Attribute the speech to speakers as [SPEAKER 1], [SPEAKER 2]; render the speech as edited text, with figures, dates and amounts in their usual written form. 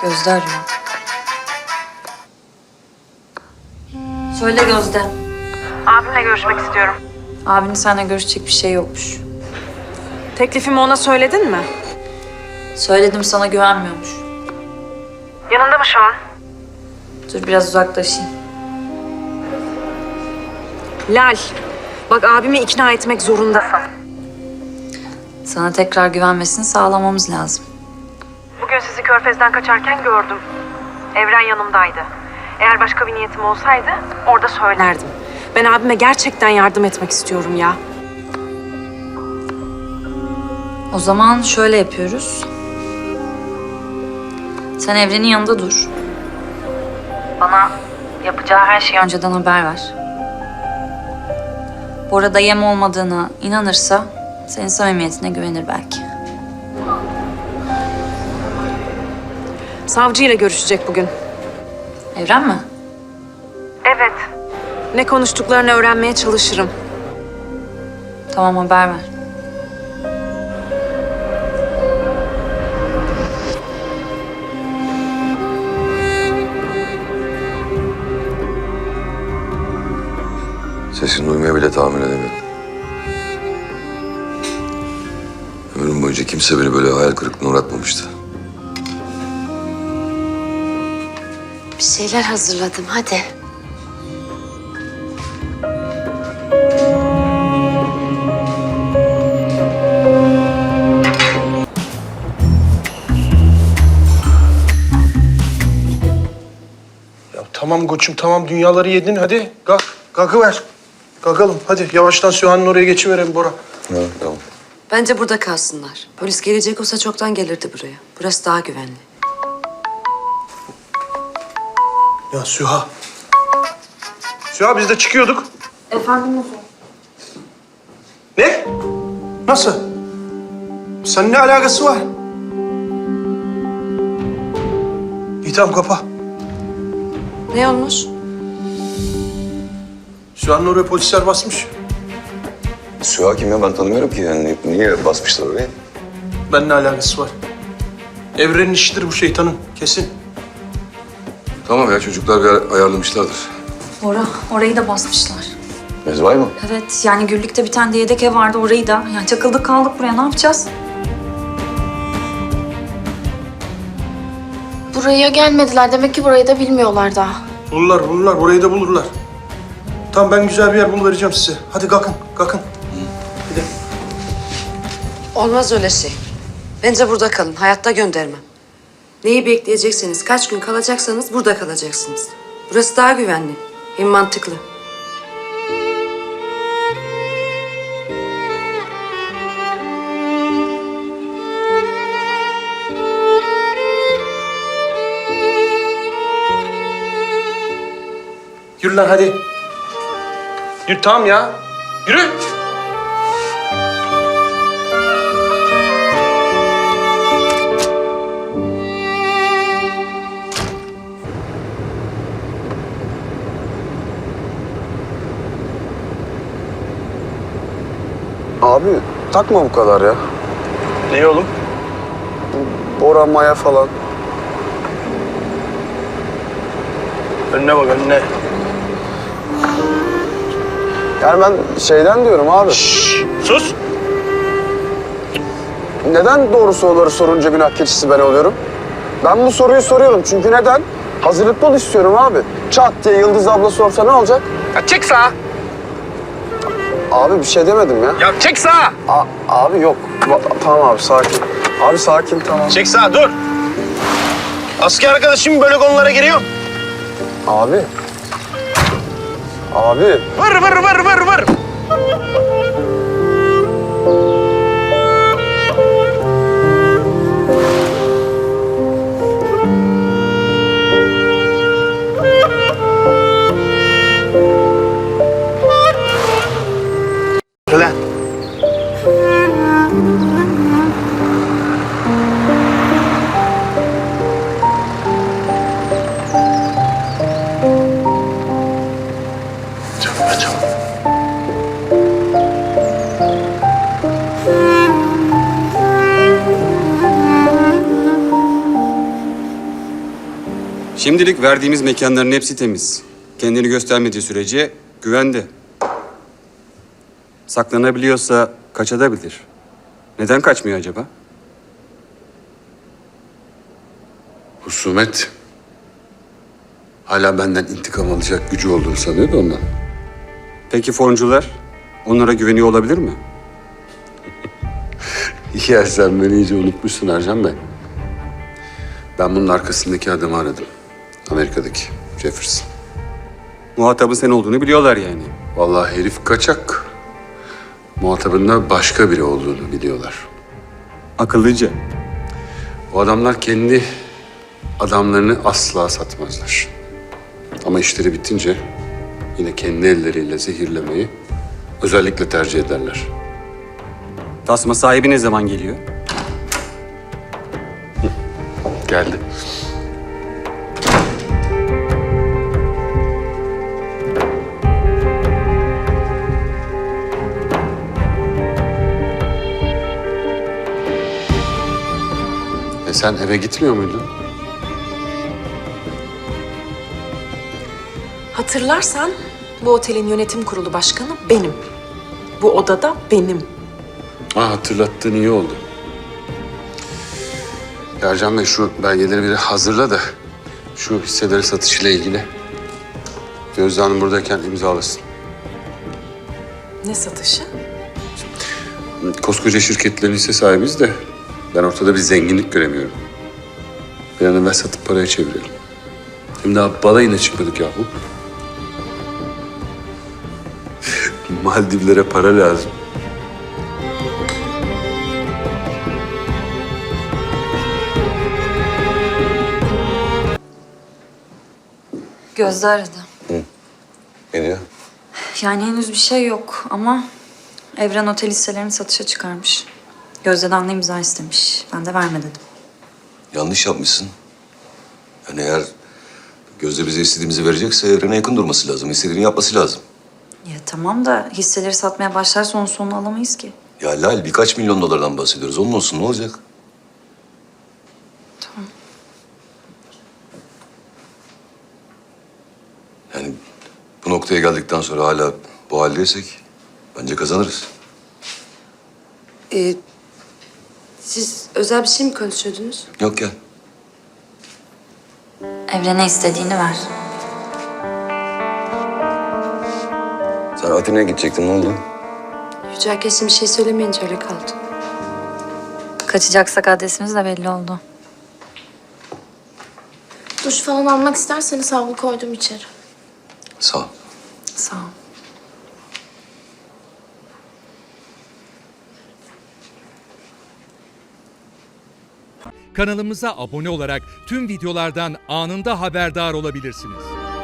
[SPEAKER 1] Gözde arıyor. Söyle Gözde.
[SPEAKER 2] Abimle görüşmek istiyorum.
[SPEAKER 1] Abinin seninle görüşecek bir şey yokmuş.
[SPEAKER 2] Teklifimi ona söyledin mi?
[SPEAKER 1] Söyledim, sana güvenmiyormuş.
[SPEAKER 2] Yanında mı şu an?
[SPEAKER 1] Dur biraz uzaklaşayım.
[SPEAKER 2] Lal, bak abimi ikna etmek zorundasın.
[SPEAKER 1] Sana tekrar güvenmesini sağlamamız lazım.
[SPEAKER 2] Bugün sizi Körfez'den kaçarken gördüm. Evren yanımdaydı. Eğer başka bir niyetim olsaydı orada söylerdim. Ben abime gerçekten yardım etmek istiyorum ya.
[SPEAKER 1] O zaman şöyle yapıyoruz. Sen Evren'in yanında dur. Bana yapacağı her şeyi önceden haber ver. Bora'da yem olmadığına inanırsa senin samimiyetine güvenir belki.
[SPEAKER 2] Savcıyla görüşecek bugün.
[SPEAKER 1] Evren mi?
[SPEAKER 2] Evet. Ne konuştuklarını öğrenmeye çalışırım.
[SPEAKER 1] Tamam, haber ver.
[SPEAKER 3] Sesini duymaya bile tahammül edemiyorum. Ömrüm boyunca kimse beni böyle hayal kırıklığına uğratmamıştı.
[SPEAKER 4] Bir şeyler hazırladım, hadi.
[SPEAKER 5] Ya tamam koçum tamam dünyaları yedin hadi kalk. Kalkıver. Kalkalım hadi yavaştan Süha'nın oraya geçiverelim Bora.
[SPEAKER 3] Ha, tamam.
[SPEAKER 4] Bence burada kalsınlar. Polis gelecek olsa çoktan gelirdi buraya. Burası daha güvenli.
[SPEAKER 5] Ya Süha. Süha biz de çıkıyorduk.
[SPEAKER 1] Efendim nasıl?
[SPEAKER 5] Ne? Nasıl? Senin ne alakası var? İyi tamam kapa.
[SPEAKER 4] Ne olmuş?
[SPEAKER 5] Süha'nın oraya polisler basmış.
[SPEAKER 3] Süha kim ya? Ben tanımıyorum ki. Yani niye basmışlar oraya?
[SPEAKER 5] Benimle alakası var. Evrenin işidir bu şeytanın kesin.
[SPEAKER 3] Tamam ya, çocuklar bir ayarlamışlardır.
[SPEAKER 1] Bora, orayı da basmışlar.
[SPEAKER 3] Mezvay mı?
[SPEAKER 1] Evet, yani Gürlük'te bir tane de yedek ev vardı, orayı da. Yani çakıldık kaldık buraya, ne yapacağız?
[SPEAKER 6] Buraya gelmediler. Demek ki burayı da bilmiyorlar daha.
[SPEAKER 5] Bulurlar burayı da bulurlar. Tamam ben güzel bir yer buluvereceğim size. Hadi kalkın. Gidelim.
[SPEAKER 4] Olmaz öyle şey. Bence burada kalın. Hayatta göndermem. Neyi bekleyecekseniz, kaç gün kalacaksanız burada kalacaksınız. Burası daha güvenli. Hem mantıklı.
[SPEAKER 5] Yürü lan hadi. Yürü tamam ya. Yürü.
[SPEAKER 7] Abi takma bu kadar ya.
[SPEAKER 5] Ne oğlum?
[SPEAKER 7] Bora, Maya falan.
[SPEAKER 5] Önüne bak önüne.
[SPEAKER 7] Yani ben şeyden diyorum abi.
[SPEAKER 5] Sus.
[SPEAKER 7] Neden doğru soruları sorunca günah keçisi ben oluyorum? Ben bu soruyu soruyorum çünkü neden? Hazırlıklı ol istiyorum abi. Çat diye Yıldız abla sorsa ne olacak?
[SPEAKER 5] Ya çek sağa.
[SPEAKER 7] Abi bir şey demedim ya.
[SPEAKER 5] Ya çek sağa.
[SPEAKER 7] Abi yok. Tamam abi sakin. Abi sakin tamam.
[SPEAKER 5] Çek sağa dur. Asker arkadaşım böyle konulara giriyor.
[SPEAKER 7] Abi. Abi.
[SPEAKER 5] Vır. Lan.
[SPEAKER 8] Şimdilik verdiğimiz mekanların hepsi temiz. Kendini göstermediği sürece güvende. Saklanabiliyorsa kaçabilir. Neden kaçmıyor acaba?
[SPEAKER 9] Husumet hala benden intikam alacak gücü olduğunu sanıyordu ondan.
[SPEAKER 8] Peki foncular? Onlara güveniyor olabilir mi?
[SPEAKER 9] Ya sen beni iyice unutmuşsun Ercan Bey. Ben bunun arkasındaki adamı aradım. Amerika'daki Jefferson.
[SPEAKER 8] Muhatabı sen olduğunu biliyorlar yani.
[SPEAKER 9] Vallahi herif kaçak. Muhatabında başka biri olduğunu biliyorlar.
[SPEAKER 8] Akıllıca.
[SPEAKER 9] Bu adamlar kendi adamlarını asla satmazlar. Ama işleri bitince yine kendi elleriyle zehirlemeyi özellikle tercih ederler.
[SPEAKER 8] Tasma sahibi ne zaman geliyor?
[SPEAKER 9] Geldi. Sen eve gitmiyor muydun?
[SPEAKER 2] Hatırlarsan bu otelin yönetim kurulu başkanı benim. Bu odada benim.
[SPEAKER 9] Hatırlattığın iyi oldu. Ercan Bey şu belgeleri biri hazırla da şu hisseleri satışıyla ilgili Gözde Hanım buradayken imzalasın.
[SPEAKER 2] Ne satışı?
[SPEAKER 9] Koskoca şirketlerin hisse sahibiyiz de ben ortada bir zenginlik göremiyorum. Bir an evvel satıp paraya çevirelim. Hem daha balayına çıkmadık yahu. Maldivlere para lazım.
[SPEAKER 1] Gözde aradı.
[SPEAKER 3] Ne diyor?
[SPEAKER 1] Yani henüz bir şey yok ama Evren Otel hisselerini satışa çıkarmış. Gözde'den de imza istemiş. Ben de verme dedim.
[SPEAKER 3] Yanlış yapmışsın. Yani eğer Gözde bize istediğimizi verecekse Evren'e yakın durması lazım. İstediğini yapması lazım.
[SPEAKER 1] Ya tamam da hisseleri satmaya başlarsa onun sonunu alamayız ki.
[SPEAKER 3] Ya Lal birkaç milyon dolardan bahsediyoruz. Onun olsun ne olacak?
[SPEAKER 1] Tamam.
[SPEAKER 3] Yani bu noktaya geldikten sonra hala bu haldeysek bence kazanırız.
[SPEAKER 4] Siz özel bir şey mi konuşuyordunuz?
[SPEAKER 3] Yok gel.
[SPEAKER 1] Evren'e istediğini ver.
[SPEAKER 3] Sen Atina'ya gidecektin ne oldu?
[SPEAKER 4] Yücel kesin bir şey söylemeyince öyle kaldı.
[SPEAKER 1] Kaçacaksak adresimiz de belli oldu.
[SPEAKER 6] Duş falan almak isterseniz havlu koydum içeri.
[SPEAKER 3] Sağ ol.
[SPEAKER 1] Sağ ol.
[SPEAKER 10] Kanalımıza abone olarak tüm videolardan anında haberdar olabilirsiniz.